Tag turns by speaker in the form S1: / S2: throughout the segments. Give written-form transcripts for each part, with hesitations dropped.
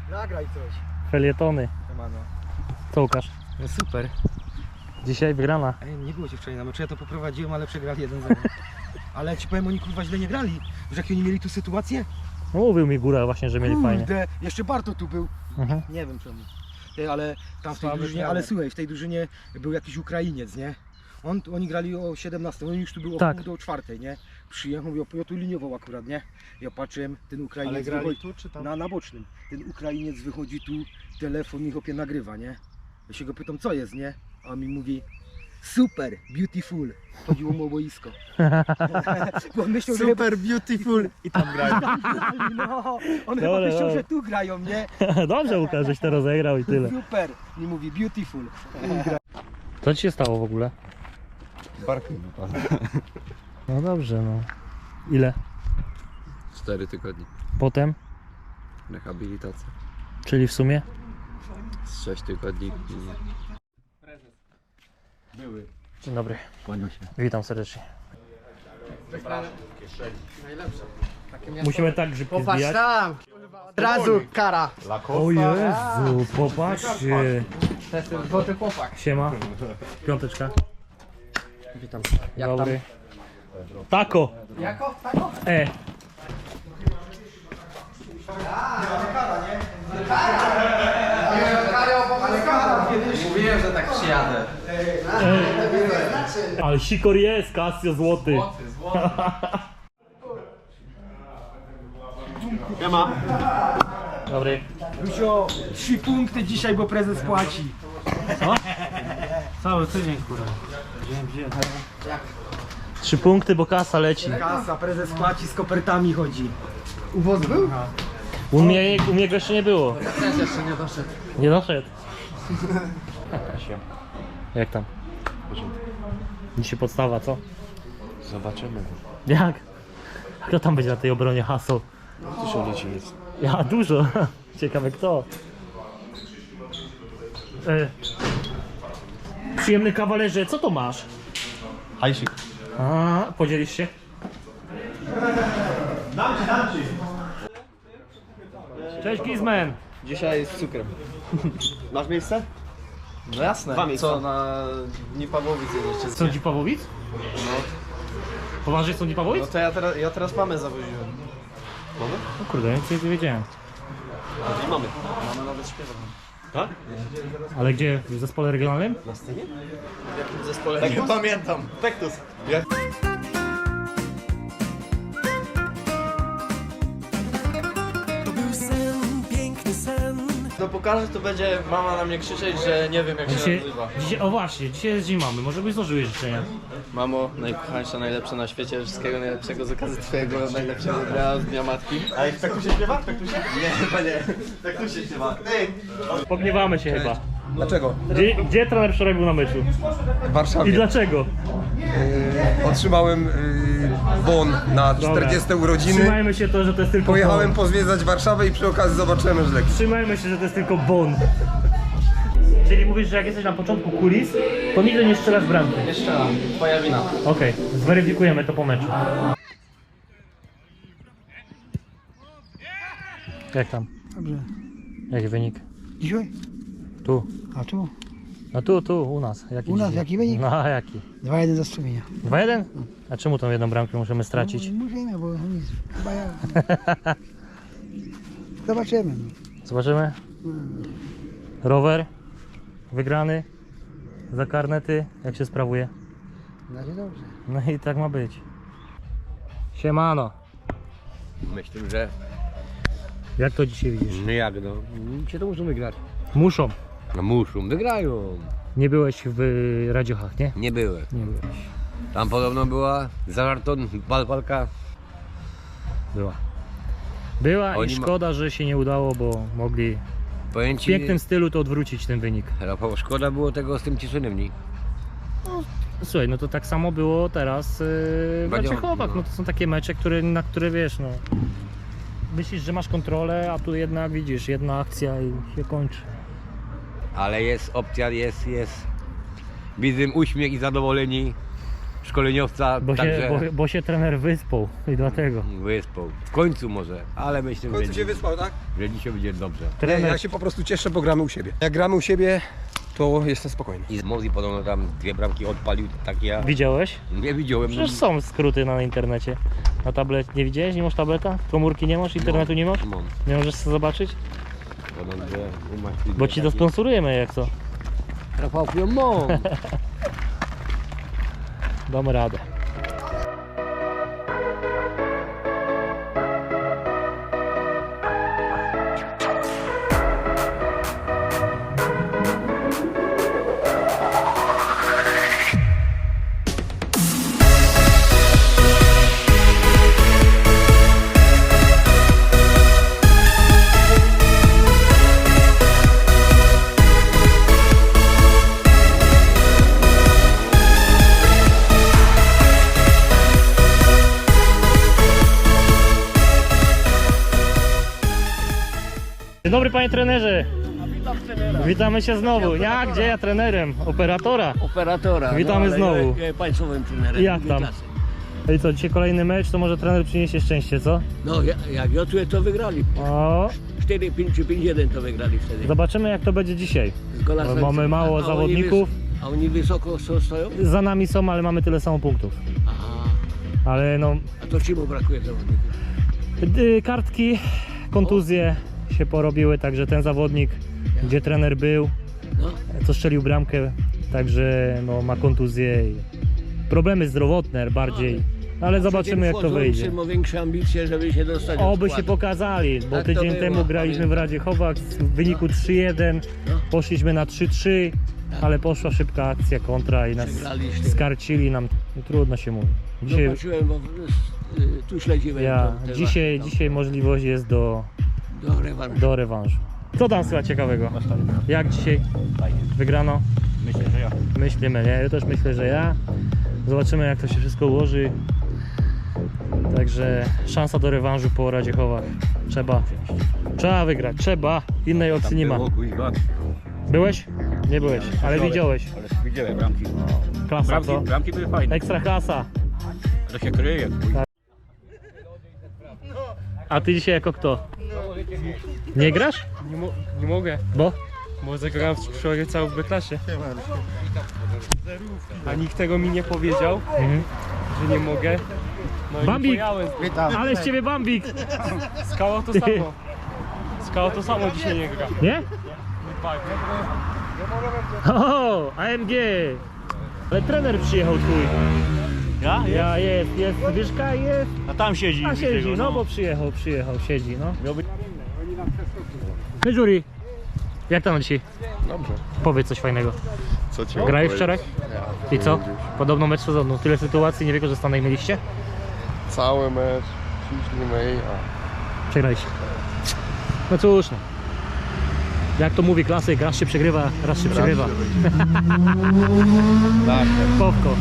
S1: Nagraj coś.
S2: Felietony.
S1: Siemano.
S2: Co Łukasz?
S1: No super.
S2: Dzisiaj wygrana.
S1: Ej, nie było cię wczoraj na meczu, ja to poprowadziłem, ale przegrali 1-0. Ale ci powiem, oni kurwa źle nie grali. Wiesz jakie oni mieli tu sytuację?
S2: No, mówił mi Góra właśnie, że mieli fajnie.
S1: Kurde, jeszcze Barto tu był.
S2: Mhm.
S1: Nie wiem czemu. Ty, ale tam w tej
S2: Słaby
S1: drużynie,
S2: trener.
S1: ale słuchaj, w tej drużynie był jakiś Ukrainiec, nie? Oni grali o 17, on już tu był
S2: Tak.
S1: o pół do 4, nie? Przyjechał, ja tu liniował akurat, nie? Ja patrzyłem, ten Ukrainiec
S3: Ale grali
S1: wychodzi
S3: tu czy tam?
S1: na bocznym. Ten Ukrainiec wychodzi tu, telefon mi chłopie nagrywa, nie? Ja się go pytam, co jest, nie? A on mi mówi, super, beautiful. Chodziło mu o boisko. Bo on myślał, że
S3: Super beautiful i tam grają.
S1: no, on chyba
S2: Dobra,
S1: myślał,
S2: dobra.
S1: że tu grają, nie?
S2: Dobrze Łukasz, żeś to rozegrał i tyle.
S1: Super. Mi mówi beautiful.
S2: Co ci się stało w ogóle?
S3: Barkiem wypadł.
S2: No dobrze, no. Ile?
S4: 4 tygodnie.
S2: Potem?
S4: Rehabilitacja.
S2: Czyli w sumie?
S4: Z 6 tygodni.
S3: Były.
S2: Dzień dobry.
S1: Kłaniam się.
S2: Witam serdecznie. Musimy tak grzybki
S5: Popatrz
S2: zbijać.
S5: tam! Od razu kara!
S2: O Jezu, popatrzcie.
S5: To jest ten złoty chłopak.
S2: Siema. Piąteczka.
S5: Witam.
S2: Dobry. Tako.
S5: Jako? Tako? Mówiłem, że tak przyjadę.
S2: Ale sikor jest, Casio złoty.
S5: Złoty.
S2: Dobry.
S1: Rusio, 3 punkty dzisiaj, bo prezes płaci.
S2: Cały tydzień, kurwa. 3 punkty, bo kasa leci.
S1: Kasa, prezes płaci, z kopertami chodzi.
S5: Uwoz był?
S2: U mnie go jeszcze nie było.
S5: Też jeszcze nie doszedł.
S2: Nie doszedł. Jak tam? Dzisiaj podstawa, co?
S4: Zobaczymy.
S2: Jak? Kto tam będzie na tej obronie haseł?
S4: Tu się leci nic.
S2: Ja, dużo. Ciekawe kto. Przyjemny kawalerze, co to masz?
S4: Hajsik.
S2: A, podzielisz się? Cześć Gizmen.
S3: Dzisiaj z cukrem. Masz miejsce?
S5: No jasne.
S3: Dwa miejsca.
S5: Co, na Dni Pawłowic jedziecie?
S2: Są ci Pawłowic? Poważnie są ci Pawłowic?
S5: No to ja teraz mamę zawoziłem.
S2: No kurde, nic nie wiedziałem.
S3: I mamy.
S5: Mama nawet śpiewa.
S3: Tak?
S2: Ale gdzie? W zespole regionalnym?
S5: W jakim zespole?
S3: Tak, pamiętam. Pektus.
S5: No pokażę, to będzie mama na mnie krzyczeć, że nie wiem jak się
S2: Dzisiaj,
S5: nazywa.
S2: o właśnie, dzisiaj jest dzień mamy, może byś złożyły życzenia.
S5: Mamo, najkochańsza, najlepsza na świecie, wszystkiego najlepszego z okazji twojego najlepszego dnia z Dnia Matki.
S3: A jak Pektusie śpiewa? Pektusie? Nie, chyba nie. Pektusie śpiewa.
S2: Pogniewamy się chyba.
S3: Dlaczego?
S2: Gdzie trener wczoraj był na meczu?
S3: W
S2: I
S3: Warszawie.
S2: dlaczego?
S3: Otrzymałem bon na 40 urodziny.
S2: Trzymajmy się to, że to jest tylko
S3: Pojechałem
S2: bon.
S3: pozwiedzać Warszawę i przy okazji zobaczyłem Żlek.
S2: Trzymajmy się, że to jest tylko bon. Czyli mówisz, że jak jesteś na początku kulis, to nigdy nie strzelasz bramki.
S5: Jeszcze raz, twoja wina.
S2: Okej, zweryfikujemy to po meczu. Jak tam?
S1: Dobrze.
S2: Jaki wynik?
S1: Dzisiaj?
S2: Tu.
S1: A tu?
S2: No tu, u nas. Jaki
S1: U nas
S2: dzisiaj?
S1: jaki wynik?
S2: No a jaki?
S1: 2-1 za Strumienia.
S2: 2-1? A czemu tą jedną bramkę musimy stracić?
S1: Musimy, bo nic. Chyba ja. Zobaczymy.
S2: Zobaczymy. Rower wygrany za karnety, jak się sprawuje.
S1: Na razie dobrze.
S2: No i tak ma być. Siemano.
S4: Myślę, że
S2: Jak to dzisiaj widzisz?
S4: no jak no. Cię to muszą wygrać.
S2: Muszą.
S4: No muszą, wygrają.
S2: Nie byłeś w Radziochach, nie?
S4: Nie byłem.
S2: Nie byłeś.
S4: Tam podobno była zażarton, walka.
S2: Była i
S4: Oni
S2: szkoda, że się nie udało, bo mogli
S4: Powiem
S2: w
S4: ci,
S2: pięknym stylu to odwrócić ten wynik.
S4: Rafał, szkoda było tego z tym Cieszynem, nie?
S2: Słuchaj, no to tak samo było teraz w
S4: Radzioch,
S2: Radziechowach.
S4: no.
S2: No to są takie mecze, na które wiesz, no myślisz, że masz kontrolę, a tu jednak widzisz, jedna akcja i się kończy.
S4: Ale jest opcja, jest. Widzę uśmiech i zadowoleni. szkoleniowca,
S2: Bo,
S4: także
S2: bo się trener wyspał i dlatego.
S4: wyspał. W końcu może, ale myślę,
S3: W końcu się wyspał, tak?
S4: że dzisiaj będzie dobrze.
S3: Nie,
S2: Trener,
S3: ja się po prostu cieszę, bo gramy u siebie. Jak gramy u siebie, to jestem spokojny.
S4: I z Mozi podobno tam 2 bramki odpalił, tak ja
S2: widziałeś?
S4: nie widziałem.
S2: Przecież są skróty na internecie. Na tablet nie widziałeś? Nie masz tableta? Komórki nie masz? Internetu nie masz?
S4: Mam.
S2: Nie możesz sobie zobaczyć?
S4: Podobno, że
S2: Bo ci dosponsorujemy jak co.
S4: Rafał Piomon.
S2: Damy radę. Dzień dobry panie trenerze. Witamy się znowu. Ja gdzie ja trenerem? Operatora.
S6: Operatora.
S2: Witamy
S6: ale
S2: znowu.
S6: Ja państwowym trenerem.
S2: Jak tam?
S6: klasy.
S2: I co, dzisiaj kolejny mecz, to może trener przyniesie szczęście, co?
S6: No, jak Jotue to wygrali.
S2: O,
S6: 4-5 czy 5-1 to wygrali wtedy.
S2: zobaczymy jak to będzie dzisiaj.
S6: Z gola
S2: Bo
S6: serca.
S2: mamy mało
S6: A oni
S2: zawodników.
S6: A oni wysoko stoją?
S2: Za nami są, ale mamy tyle samo punktów.
S6: Aha.
S2: Ale no,
S6: A to czemu brakuje zawodników?
S2: kartki, kontuzje się porobiły, także ten zawodnik, gdzie trener był,
S6: No,
S2: co strzelił bramkę, także no, ma kontuzję i problemy zdrowotne bardziej. Ale zobaczymy jak to
S6: wchodzą,
S2: wyjdzie.
S6: Ma większe ambicje, żeby się dostać do
S2: Oby się
S6: składu.
S2: pokazali, bo
S6: Tak to
S2: tydzień
S6: było,
S2: temu graliśmy w Radzie Chowak w wyniku 3-1,
S6: No.
S2: poszliśmy na 3-3, ale poszła szybka akcja kontra i nas
S6: Przegraliście.
S2: skarcili nam, no, trudno się mówi. Dzisiaj,
S6: Zobaczyłem, bo tu śledziłem. te
S2: dzisiaj,
S6: wasze
S2: dzisiaj możliwość jest
S6: do rewanżu.
S2: do rewanżu. Co tam słychać ciekawego? Jak dzisiaj wygrano?
S4: Myślę, że ja.
S2: Myślimy, nie? Ja też myślę, że ja. Zobaczymy jak to się wszystko ułoży. Także szansa do rewanżu po Radzie Chowak. Trzeba wygrać, trzeba. Innej opcji nie ma. Byłeś? Nie byłeś, ale widziałeś.
S3: Ale widziałem bramki.
S2: Klasa co?
S3: Bramki były fajne.
S2: Ekstra klasa.
S3: To się kryje.
S2: A ty dzisiaj jako kto? Nie grasz?
S7: Nie mogę,
S2: Bo?
S7: bo zagrałem w przyszłej całej B-klasie. A nikt tego mi nie powiedział,
S2: Mhm.
S7: że nie mogę. No i
S2: Bambik!
S7: nie pojałem.
S2: Ale z ciebie Bambik!
S7: Skała to samo. Skała to samo dzisiaj nie gra.
S2: Nie?
S7: Tak.
S2: O, AMG! Ale trener przyjechał twój.
S7: Ja?
S2: Ja jest, Zbyszka jest.
S7: A tam siedzi.
S2: A siedzi, no bo przyjechał, siedzi, no. Hej Juri, jak tam dzisiaj?
S3: Dobrze.
S2: Powiedz coś fajnego.
S3: Co ci
S2: Grałeś wczoraj? I co? Podobno mecz sezonu. Tyle sytuacji niewykorzystanych mieliście?
S3: Cały mecz, ciśnijmy
S2: Przegraliście. No cóż no. Jak to mówi klasyk, raz się przegrywa, raz się przegrywa. Powko.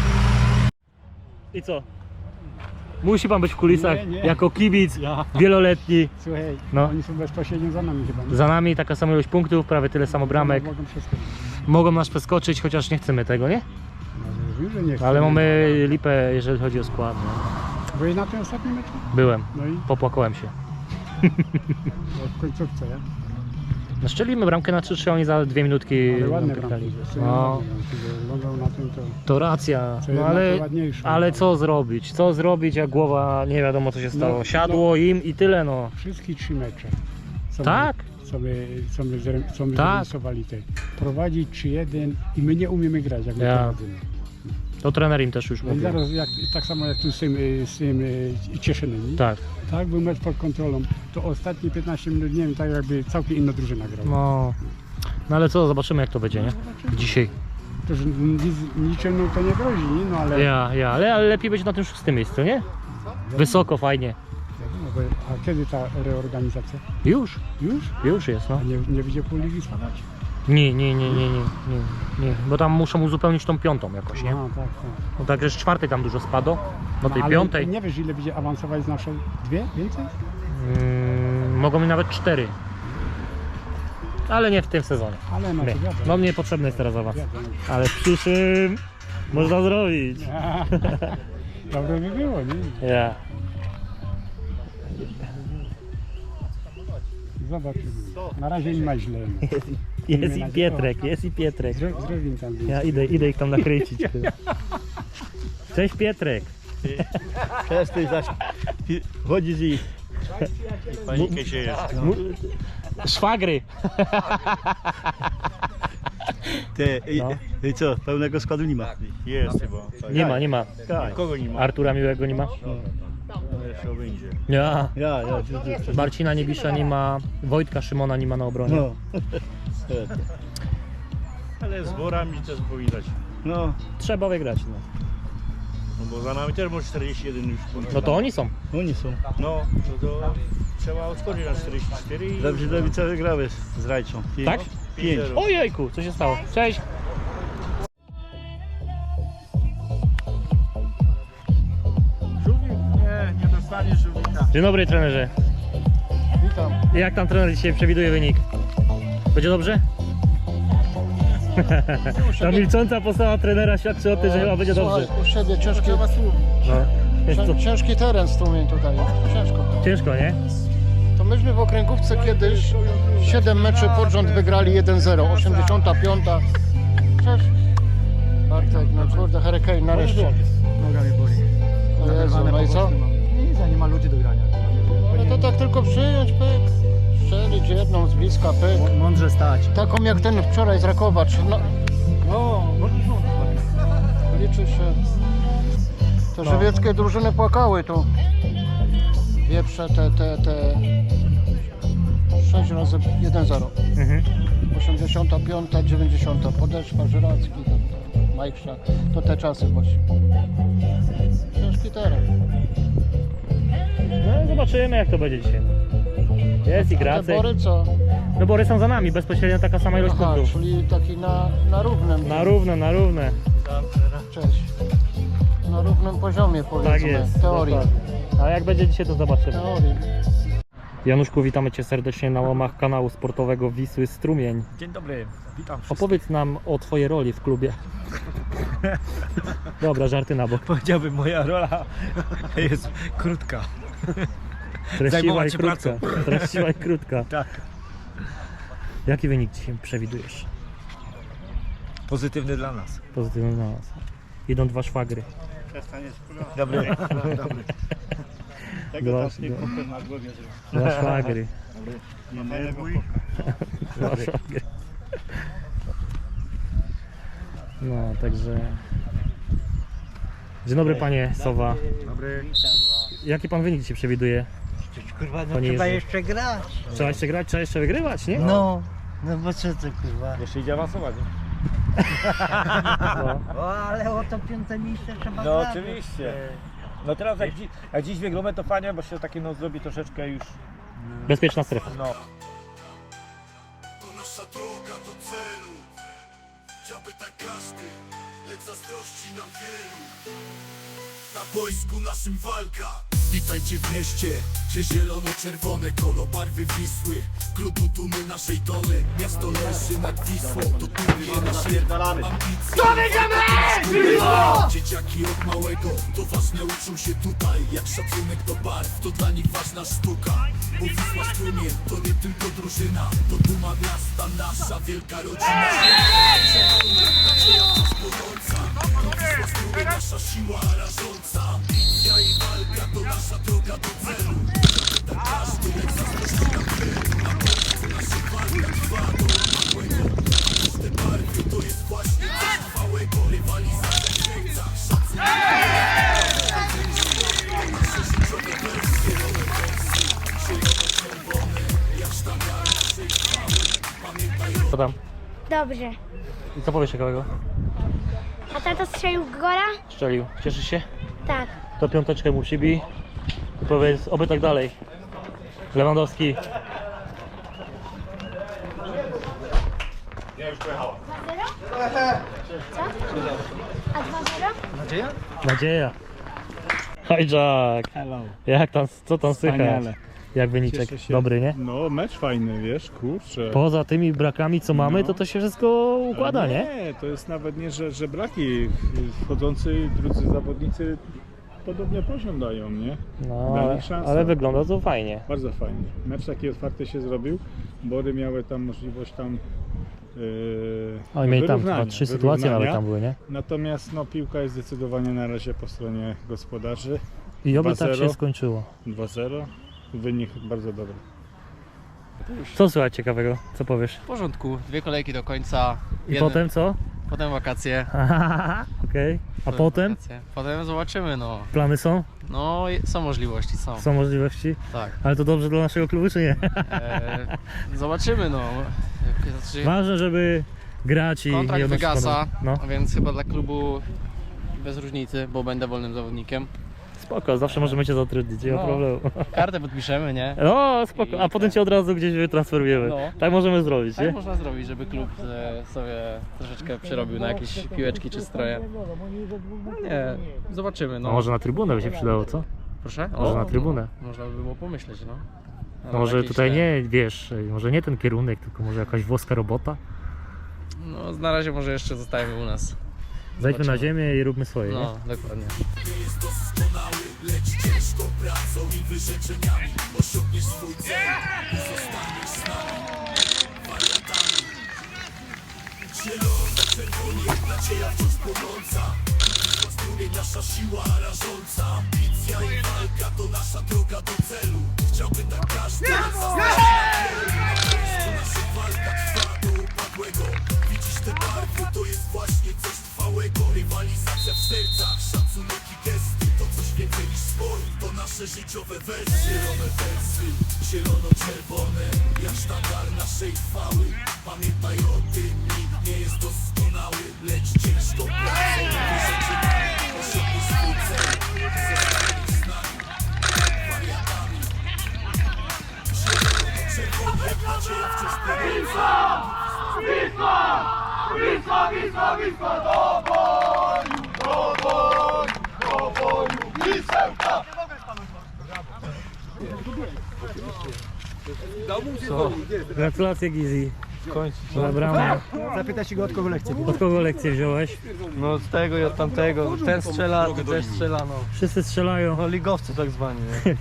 S2: I co? Musi pan być w kulisach jako kibic wieloletni.
S8: Słuchaj,
S2: No.
S8: oni są bezpośrednio za nami chyba. Nie?
S2: Za nami taka sama ilość punktów, prawie tyle samo bramek.
S8: Mogą przeskoczyć.
S2: Mogą nas przeskoczyć, chociaż nie chcemy tego, nie?
S8: No, już, że nie chcą.
S2: Ale mamy lipę, jeżeli chodzi o skład. No.
S8: Byłeś na tym ostatnim meczu?
S2: Byłem,
S8: No i
S2: popłakałem się.
S8: w końcówce, ja?
S2: No, szczelimy bramkę na 3-3, oni za 2 minutki
S8: Ale ładne
S2: nam
S8: bramki.
S2: pykali.
S8: Jeszcze
S2: No,
S8: wyglądał na tym to...
S2: to racja,
S8: Co
S2: no,
S8: jednak
S2: ale,
S8: to ładniejsze.
S2: ale co zrobić? Co zrobić, jak głowa nie wiadomo co się stało.
S8: No,
S2: Siadło im i tyle no.
S8: Wszystkie 3 mecze. Co
S2: Tak?
S8: Co my
S2: Tak.
S8: zarysowali te. Prowadzić 3-1 i my nie umiemy grać, jak my
S2: Ja.
S8: prowadzimy.
S2: To trener im też już
S8: No i
S2: mówił.
S8: zaraz, tak samo jak tu z tym Cieszynem, nie?
S2: Tak,
S8: Tak, był mecz pod kontrolą. To ostatnie 15 minut, nie wiem, tak jakby całkiem inna drużyna grała.
S2: no ale co, zobaczymy jak to będzie, nie? Dzisiaj.
S8: To, że niczym no, to nie grozi, nie? No ale...
S2: Ale lepiej być na tym 6. miejscu, nie? Wysoko, fajnie.
S8: No, a kiedy ta reorganizacja?
S2: Już jest, no.
S8: A nie będzie pół ligi spadać?
S2: Nie, bo tam muszą uzupełnić tą 5. jakoś, nie?
S8: A, tak, tak.
S2: No także z 4. tam dużo spadło, do tej
S8: ale
S2: 5.
S8: nie wiesz ile będzie awansować z naszej? 2? Więcej?
S2: Mogą mi nawet 4. Ale nie w tym sezonie.
S8: Ale no
S2: Nie.
S8: to wiadomo.
S2: No mnie potrzebny jest teraz awans.
S8: Wiadomo.
S2: Ale w przyszłym Można zrobić.
S8: Dobre by było, nie?
S2: Ja.
S8: Zobaczymy. Na razie nie ma źle.
S2: Jest i Pietrek, jest i Pietrek.
S8: Zrobimy tam.
S2: Ja idę ich tam nakręcić. Cześć Pietrek.
S3: Przestań zaś. Chodzisz i panikę się jest.
S2: Szwagry.
S3: Ty,
S2: No.
S3: i co, pełnego składu nie ma? Jest chyba.
S2: Nie ma.
S3: Kogo nie ma?
S2: Artura Miłego nie ma?
S3: No jeszcze będzie.
S2: Ja.
S3: Ja.
S2: Marcina Niebisza nie ma. Wojtka Szymona nie ma na obronie.
S3: No. Ale z worami też powinać. No.
S2: Trzeba wygrać. No.
S3: No bo za nami też może 41 już.
S2: No to oni są.
S3: Oni są. No, to trzeba odskoczyć na 44 i... Dobrze, Lewica wygrałeś z Rajczą.
S2: Tak?
S3: 5.
S2: Ojejku, co się stało? Cześć.
S3: Żółwik? Nie dostaniesz żółwika.
S2: Dzień dobry trenerze.
S8: Witam.
S2: Jak tam trener dzisiaj przewiduje wynik? Będzie dobrze? Ta milcząca postawa trenera świadczy o tym, że chyba będzie dobrze.
S9: U siebie ciężki,
S2: No. Jest to
S9: ciężki teren strumień tutaj, ciężko.
S2: ciężko, nie?
S9: To myśmy w okręgówce kiedyś 7 meczy pod rząd wygrali 1-0, 85. Cześć. Bartek, no kurde, Hurricane nareszcie.
S1: Noga mnie boli.
S9: O Jezu, no i co?
S1: Nic, nie ma ludzi do grania.
S9: Ale to tak tylko przyjąć, pyk. Strzelić jedną z bliska, pyk.
S1: Mądrze stać.
S9: Taką jak ten wczoraj z Rakowacz. No, liczy się. Te żywieckie drużyny płakały tu. Wieprze te 6 razy 1-0.
S2: Mhm.
S9: 85, 90. Podeszwa, Żyracki, Majkrza. To te czasy właśnie. Ciężki teren.
S2: No zobaczymy jak to będzie dzisiaj. Jest i
S9: Te
S2: Gracek.
S9: Bory co?
S2: No Bory są za nami, bezpośrednio taka sama ilość
S9: Aha,
S2: punktów.
S9: czyli taki na równym.
S2: Na równe.
S9: Cześć. Na równym poziomie powiedzmy.
S2: Tak jest.
S9: Teorii.
S2: Dokładnie. A jak będzie dzisiaj to zobaczymy.
S9: Teorii.
S2: Januszku, witamy Cię serdecznie na łamach kanału sportowego Wisły Strumień.
S7: Dzień dobry, witam wszystkich.
S2: Opowiedz nam o Twojej roli w klubie. Dobra, żarty na bok.
S7: Powiedziałbym, moja rola jest krótka.
S2: Treściwa
S7: Zajmować
S2: i
S7: się
S2: krótka.
S7: pracą.
S2: Treściwa i krótka.
S7: Tak.
S2: Jaki wynik dzisiaj przewidujesz?
S7: Pozytywny dla nas.
S2: Pozytywny na nas. Idą 2 szwagry.
S7: Dobry.
S3: Tego
S2: Dwa-
S3: też nie kopę na głowie zrobił.
S2: 2 szwagry.
S3: Nie nerwuj.
S2: 2 szwagry. No, także... Dzień dobry Panie Sowa.
S7: Dobry.
S2: Jaki Pan wynik dzisiaj przewiduje?
S10: Kurwa, no
S2: Panie
S10: trzeba
S2: Jerzy.
S10: jeszcze grać.
S2: Trzeba jeszcze grać, trzeba jeszcze wygrywać, nie?
S10: No bo co to kurwa.
S7: Jeszcze idzie awansować.
S2: No.
S10: O, ale o to 5. miejsce trzeba
S7: No
S10: grać.
S7: oczywiście. No teraz jak dziś wygramy to fajnie, bo się takie no zrobi troszeczkę już.
S2: Bezpieczna strefa.
S7: No.
S11: To nasza droga do celu. Chciałby tak każdy, lecz zazdrości nam wielu. Na boisku naszym walka. Witajcie w mieście, gdzie zielono-czerwone kolo barwy Wisły. Klubu dumy naszej dole, miasto leży nad Wisłą. To dumie naszej ambicji. To wiedziemy! Dzieciaki od małego, to ważne uczą się tutaj. Jak szacunek do barw, to dla nich ważna sztuka. Bo Wisła Strumień to nie tylko drużyna, to duma miasta, nasza wielka rodzina. Nadzieja wciąż płonąca, to Wisła Strumień, nasza siła rażąca. Ambicja i walka to nasza droga do celu. Tak każdy jak zazdrości nam wielu. Na boisku naszej walka trwa do małego. Te barwy to jest właśnie coś trwałego. Rywalizacja w sercach, szacunek. Nasze życiowe wersje, nowe wersje. Zielone-czerwone, jak sztandary naszej chwały. Pamiętaj o
S2: Co tam?
S12: Dobrze.
S2: I co powiesz ciekawego?
S12: A tato strzelił gola?
S2: Strzelił. Cieszysz się?
S12: Tak.
S2: To 5 mu przybij. I powiedz, oby tak dalej. Lewandowski.
S11: Ja już pojechałem.
S12: 2-0? Co? A 2-0?
S2: Nadzieja. Hi Jack.
S8: Hello.
S2: Jak tam, co tam słychać?
S8: Wspaniale.
S2: Jak wyniczek?
S8: Cieszę się.
S2: Dobry, nie?
S8: No, mecz fajny, wiesz, kurczę.
S2: Poza tymi brakami, co mamy,
S8: No.
S2: to się wszystko układa, nie?
S8: Nie, to jest nawet nie, że braki. Wchodzący drudzy zawodnicy podobny poziom dają, nie?
S2: No,
S8: Dali szansę.
S2: ale wygląda to fajnie.
S8: Bardzo fajnie. Mecz taki otwarty się zrobił. Bory miały tam możliwość tam
S2: Oni mieli tam
S8: wyrównania,
S2: 3 sytuacje nawet
S8: wyrównania.
S2: tam były, nie?
S8: Natomiast no, piłka jest zdecydowanie na razie po stronie gospodarzy.
S2: I oby tak
S8: 2-0.
S2: się skończyło.
S8: 2-0. Wynik bardzo dobry.
S2: Co słychać ciekawego? Co powiesz?
S5: W porządku, 2 kolejki do końca.
S2: I potem co?
S5: Potem wakacje.
S2: Okej. A potem?
S5: Wakacje. Potem zobaczymy, no.
S2: Plany są?
S5: No, są możliwości, są.
S2: Są możliwości?
S5: Tak.
S2: Ale to dobrze dla naszego klubu, czy nie?
S5: Zobaczymy, no. Znaczy,
S2: Ważne, żeby grać i
S5: kontrakt
S2: odnosić
S5: wygasa,
S2: honor. No.
S5: więc chyba dla klubu bez różnicy, bo będę wolnym zawodnikiem.
S2: Spoko, zawsze możemy cię zatrudnić, nie ma
S5: No.
S2: problemu.
S5: Kartę podpiszemy, nie?
S2: No, spoko, a potem cię od razu gdzieś wytransferujemy.
S5: No.
S2: Tak możemy zrobić,
S5: Tak
S2: nie?
S5: można zrobić, żeby klub sobie troszeczkę przerobił na jakieś piłeczki czy stroje. No nie, zobaczymy, no.
S2: No może na trybunę by się przydało, co?
S5: Proszę?
S2: Może na trybunę.
S5: Można by było pomyśleć, no.
S2: No może
S5: jakieś
S2: tutaj
S5: te-
S2: nie, wiesz, może nie ten kierunek, tylko może jakaś włoska robota.
S5: No na razie może jeszcze zostajemy u nas.
S2: Zejdźmy na ziemię i róbmy swoje, nie?
S5: No, dokładnie.
S11: Nie jest doskonały, lecz ciężką pracą i wyrzeczeniami osiągniesz swój cel i zostaniesz z nami wariatami. Zielony, czerwony, nadzieja wciąż płonąca. Strumień nasza siła rażąca. Ambicja i walka to nasza droga do celu. Chciałby tak każdy to nasza walka trwa do upadłego. Widzisz te barwy, to jest właśnie coś trwałego. Rywalizacja w sercach, szacunek i gesty. To coś więcej niż sport, to nasze życiowe wersy. Zielone wersy, zielono-czerwone, jak sztandar naszej chwały. Pamiętaj o tym, nikt nie jest doskonały, lecz ciężką pracą i wyrzeczeniami osiągniesz swój cel i zostaniesz z nami wariatami. Zielono-czerwone, nadzieja wciąż płonąca.
S2: Gratulacje Gizi. Za bramę.
S7: Zapytaj się go, od kogo lekcję.
S2: Od kogo lekcję wziąłeś?
S5: No od tego i od tamtego. Ten strzela, ten też strzela, no.
S2: Wszyscy strzelają.
S5: No ligowcy tak zwani, nie?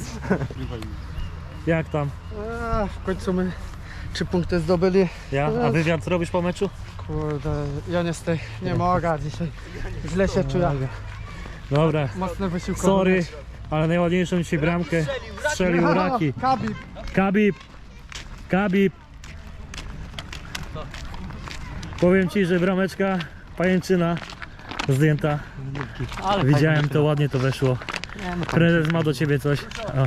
S2: Jak tam?
S9: W końcu my 3 punkty zdobyli.
S2: Ja? A wywiad zrobisz po meczu?
S9: Kurde, ja niestety nie mogę dzisiaj. Źle się czuję.
S2: Dobra,
S9: Mocno wysiłkowy.
S2: sorry, ale najładniejszą dzisiaj bramkę strzelił Raki.
S9: Kabib.
S2: Khabib. Powiem ci, że brameczka pajęczyna zdjęta. Widziałem to, ładnie to weszło. Prezes ma do ciebie coś. O.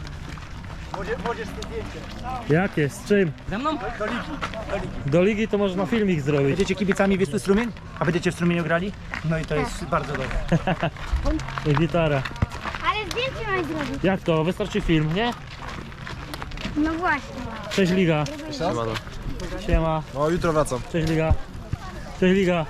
S2: Jakie? Z czym?
S7: Ze mną?
S2: Do ligi to można filmik zrobić.
S7: Będziecie kibicami Wisły Strumień? A będziecie w Strumieniu grali? No i to jest bardzo dobre.
S2: I gitara.
S12: Ale zdjęcie mam zrobić.
S2: Jak to? Wystarczy film, nie?
S12: No właśnie.
S2: Cześć Liga. Siema.
S3: No jutro wracam.
S2: Cześć Liga. Cześć Liga.